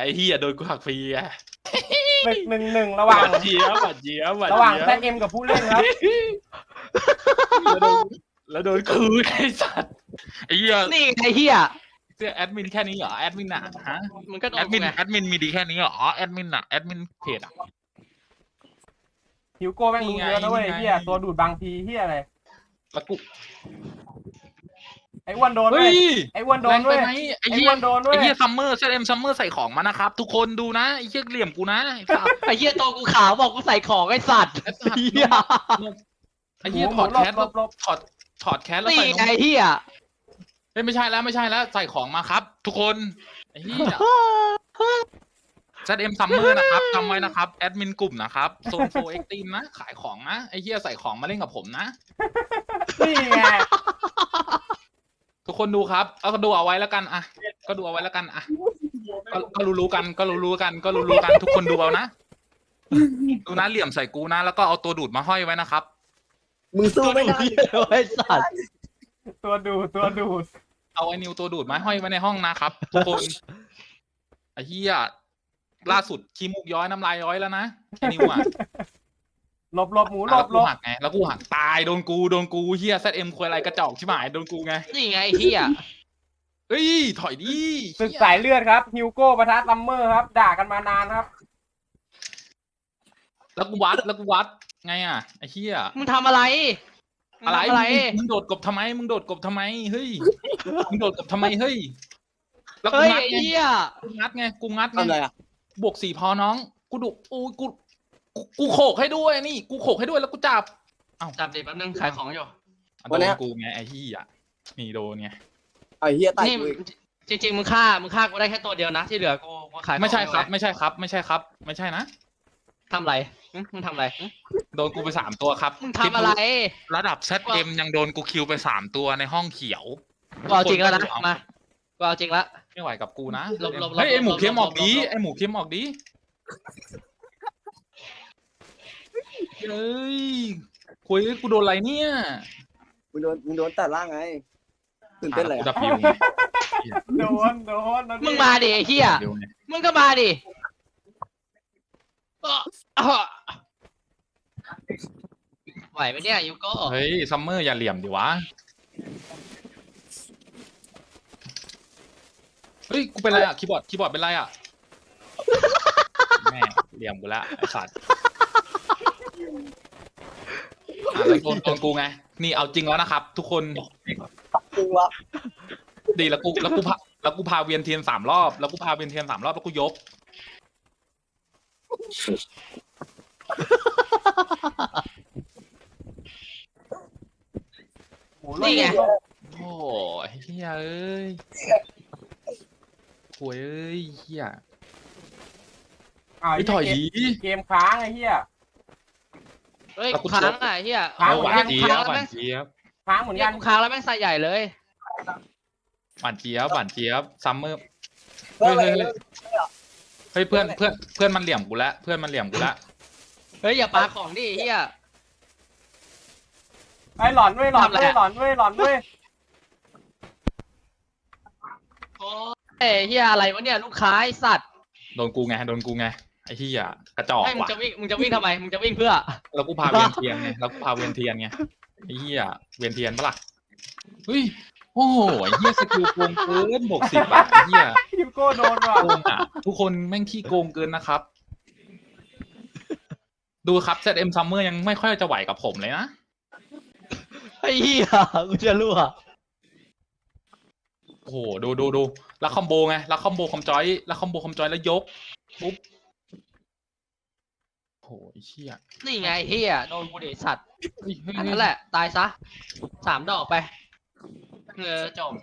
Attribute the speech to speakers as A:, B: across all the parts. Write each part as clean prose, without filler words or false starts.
A: ไอ้เหี้ยโดนกูหักฟรีอ่ะ
B: 1-1ระหว่าง
A: หวานเจี๊ยบหวานเจี๊ยบหวาน
B: ระหว่าง
A: เจี๊ย
B: แซ
A: บ
B: ดเอ็มกับผู้เล่นครับ
A: แล้วโดนคืนไอ้สัตว์ไอ้เหี้ย
C: นี่ไอ้เหี้ย
A: เสื้อแอดมินแค่นี้เหรอแอดมินอ่ะฮะ
C: มึงก็โด
A: แอน ด
C: กู
A: มิน
C: ไง
A: แอดมินมีดีแค่นี้เหรอแอดมินอะแอดมินเพจอะ
B: ฮิวโก้แม่งรู้เยอะนะเว้ย
A: นี่ไง
B: เฮียตัวดูดบางทีเฮียอะไร
A: แล้วกู
B: ไอ้อ้วนโดน
A: เฮ้
B: เว้ย
A: ย
B: ไอ้อ้วนโด
A: แร
B: น
A: ง
B: เว้
A: ไป
B: ย
A: ไหมไอ้
B: ไอ้
A: เหี้
B: อ้
A: ย
B: วนโดนเว้
A: ไอ้
B: ย
A: เหี้ยซัมเมอร์ซัมเมอร์ใส่ของมานะครับทุกคนดูนะไอ้เหี้ยเหลี่ยมกูนะไอ้สัตว์
C: ไอ้เหี้ยตัวกูขาวบอกกูใส่ของไอ้สัตว์
A: ไอ้สัตว์
C: เหี้ย
A: ไอ้เหี้ย
B: ห
A: ถ
B: มู
A: อด
B: หลบ
A: แคส
B: หลบหลบ
A: ถอดแคสแล้ว
C: นี่
A: ใส่น
C: ไง
A: ม
C: ไอ้เหี้ย
A: เฮ้ยไม่ใช่แล้วใส่ของมาครับ ทุกคนไอ้เหี้ยZM Summer นะครับจำไว้นะครับแอดมินกลุ่มนะครับโซนโฟเอ็กตีมนะขายของนะไอ้เหี้ยใส่ของมาเล่นกับผมนะ
B: นี่ไง
A: ทุกคนดูครับก็ดูเอาไว้แล้วกันอ่ะก็ดูเอาไว้แล้วกันอ่ะก็รู้ๆกันทุกคนดูเอานะดูนะเหลี่ยมใส่กูนะแล้วก็เอาตัวดูดมาห้อยไว้นะครับ
D: มึงสู้ไม่ได้
C: ไอ้สัตว์
B: ตัวดูด
A: เอาไอ้นิวตัวดูดมาห้อยไว้ในห้องนะครับทุกคนไอ้เหี้ยล่าสุดขี้มูกย้อยน้ำลายย้อยแล้วนะไอ้นิวอ่ะ
B: หลบหมูหล
A: แล้ว
B: บ
A: กูหักไงแล้วกูหักตายโดนกูเหี้ยZMคุยอะไรกระจอกชิบหายโดนกูไง
C: นี่ไงไอ้เหี้ย
A: เฮ้ยถอยดิ
B: ศึกสายเลือดครับฮิวโก้ปะทะซัมเมอร์ครับ ด่ากันมานานครับ
A: แล้วกูวัดไงอ่ะไอ้เหี้ย
C: มึงทำอะไร
A: อะไร
C: มึงทำอะไร
A: มึงโดดกบทำไมมึงโดดกบทำไมเฮ้ยมึงโดดกบทำไมเฮ้ยแล้วกู
C: เฮ้ย
A: งัด
C: ไอ้
A: ไง
C: เหี้ย
A: กูงัดไง
D: ทำอะไรอ่ะ
A: บวก4พอน้อง กูดุกูโขกให้ด้วยนี่ กูโขกให้ด้วยแล้วกูจับ
C: จับดิแป๊บนึงขายของอยู่
A: โดนกูไงไอ้ที่อ่ะนี่โดนไง
D: ไอ้เฮียตาย
C: นี่
D: กูอีก
C: จริงๆมึงฆ่ากูได้แค่ตัวเดียวนะที่เหลือกูขายของ
A: ไม่ใช่ครับ
C: อยู่
A: ไม่ใช่ครับ ไม่ใช่นะ
C: ทำอะไรมึงทำอะไร
A: โดนกูไป3ตัวครับ
C: มึงทำอะไร
A: ระดับ ZM ยังโดนกูคิวไป3ตัวในห้องเขียว
C: กูเอาจริงแล้วนะมากูเอาจริงแล้ว
A: ไม่ไหวกับกูนะ
C: หลบ
A: เฮ้ยไอหมู
C: หลบ
A: เค็มออกดี
C: หลบ
A: ไอหมูเค็มออกดีเฮ้ยคุยกูโดนอะไรเนี่ย
D: มึงโดนตัดล่างไงตื่นเต้นเลย
A: กู
D: อะ
A: ดับบิวไง
B: โดน
C: มึงมาดิไอ้เหี้ย
A: บิวไง
C: มึงก็มาดิไหวไหมเนี่ยยูโก้
A: เฮ้ยซัมเมอร์อย่าเหลี่ยมดิวะเฮ้ยกูเป็นไรอะคีย์บอร์ดเป็นไรอะแม่เหลี่ยมกูละไอ้สัตว์แล้วโดนกูไงนี่เอาจริงแล้วนะครับ ทุกคน
D: จริงวะ
A: ดีแล้วกูพาเวียนเทียน3 รอบแล้วกูยก
B: หมู
C: นี่ไง
A: โอ้ยเฮียเอ้ยโวยเอ้ยเฮีย
B: อ้าว
A: ไอ้ถอยดี
B: เกมค้างไอ้เฮีย
C: เฮ้ยกูค้างอ่ะไอ้เหี้ย
B: ค้าง
A: หวาน
B: ค้าง
A: เจี๊ยบหวานเจี๊ยบ
B: ค้างเหมือน
C: เนี่ย
B: กัน
C: กูค้างแล้วแม่งใส่ใหญ่เลย
A: หวานเจี๊ยบซัมเมอร์
D: เฮ้ย
A: เฮ้ยเพื่อนมันเหลี่ยมกูแล้วเพื่อนมันเหลี่ยมกูแล้ว
C: เฮ้ยอย่าปาของดิไอ้เหี้ย
B: ไอ้หลอนเว้ย
C: โอ้ยเหี้ยอะไรวะเนี่ยลูกค้าไอ้สัตว์
A: โดนกูไงไอ้เฮียกระจอก
C: ให้มึง
A: ว่ะ
C: จะวิ่งทำไมมึงจะวิ่งเพื่อ
A: แล้วกูพาเวียนเทียนไงไอ้เฮียเวียนเทียนปะล่ะเฮ้ยโอ้โหไอ้เฮียสกิลโกงเกินบวก10บาทไอ้เฮีย
B: ฮิวโก้โดนว่ะ
A: โกงอ่ะทุกคนแม่งขี้โกงเกินนะครับ ดูครับ ZM Summer ยังไม่ค่อยจะไหวกับผมเลยนะ
C: ไอ้เหี้ยกูจะรั่ว
A: โอ้โหดูแล้วคอมโบไงแล้วคอมโบคอมจอยแล้วยกปุ๊บโอ้โหไอ้เชี่ย
C: นี่ไงเหี้ยโดนกูดิสัตว์
A: เฮ้ย
C: อันนั้นแหละตายซะ3 ดอกไปจบ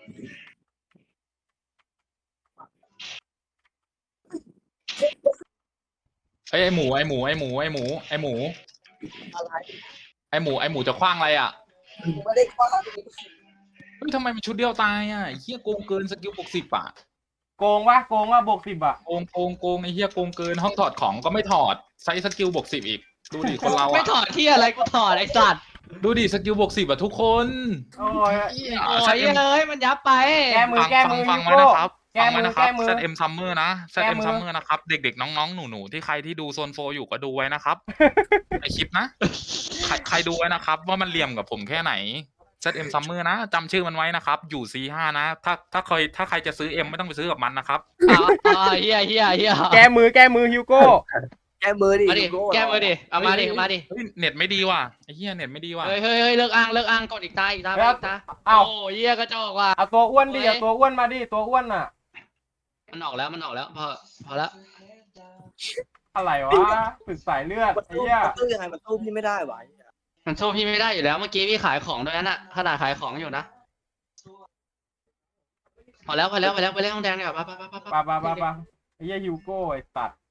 A: ไอ้หมูจะคว้างอะไรอ่ะ
D: กูไม่ได้คว้า
A: เฮ้ยทำไมมันชุดเดียวตายอ่ะไอ้เฮียโกงเกินสกิลบวก10อ่ะ
B: โกงว่าบวก10อ่ะ
A: โกงไอ้เฮียโกงเกินห้องถอดของก็ไม่ถอดใช้สกิลบวก10อีกดูดิคนเรา
C: ไม่
A: อ่ะ
C: ถอดที่อะไรกูถอดไอ้สัตว์
A: ดูดิสกิลบวก10อ่ะทุกคน
B: โอ้ย
C: โอ้ยเอ้ยมันยับไป
B: แก้มือ
A: ฟัง
B: ฮิ
A: ไว้
B: วโก้
A: นะครับ
B: แก้
A: ฟัง
B: มื
A: ไว้
B: อ
A: นะครับ
B: แก้มือ
A: ZM Summer นะ
B: แก้
A: ZM
B: มือ
A: Summer นะครับ เด็กๆ น้องๆ หนูๆ ที่ใครที่ดูโซนโฟอยู่ก็ดูไว้นะครับ ในคลิปนะ ใครดูไว้นะครับ ว่ามันเหลี่ยมกับผมแค่ไหน ZM Summer นะจำชื่อมันไว้นะครับ อยู่ C5 นะ ถ้าใครจะซื้อ M ไม่ต้องไปซื้อกับมันนะครับ
C: เฮีย
B: แก้มือฮิวโก้
D: แก้มือดิ
C: มาดิ
D: ฮิวโก้
C: แก้มือดิเอามาดิ
A: เฮ้ย
C: มาดิ
A: เฮ้ยเน็ตไม่ดีว่ะไอ้เหี้ยเน็ตไม่ดีว่ะ
C: เฮ้ยเลิกอ้างกดอีกตาไปอีกตา
B: อ้าว
C: โอ้เฮียกระจอกว่ะ
B: เอาตัวอ้วนดิ
C: เฮ้ย
B: เอาตัวอ้วนมาดิตัวอ้วนอ่ะ
C: มันออกแล้วพอแล้ว
B: อะไรวะฝึกสายเลือด
D: มัน
B: ไอ้
D: สู้
B: เหี้ย
D: มันสู้ยังไงมันสู้พี่ไม่ได้หวะ
C: มันสู้พี่ไม่ได้อยู่แล้วเมื่อกี้พี่ขายของด้วยนั่นน่ะขนาดขายของอยู่นะพอแล้วไปเล่นห้องแดงดีกว่าไป
B: ปะไอ้เหี้ยฮิวโก้ไอ้ตัด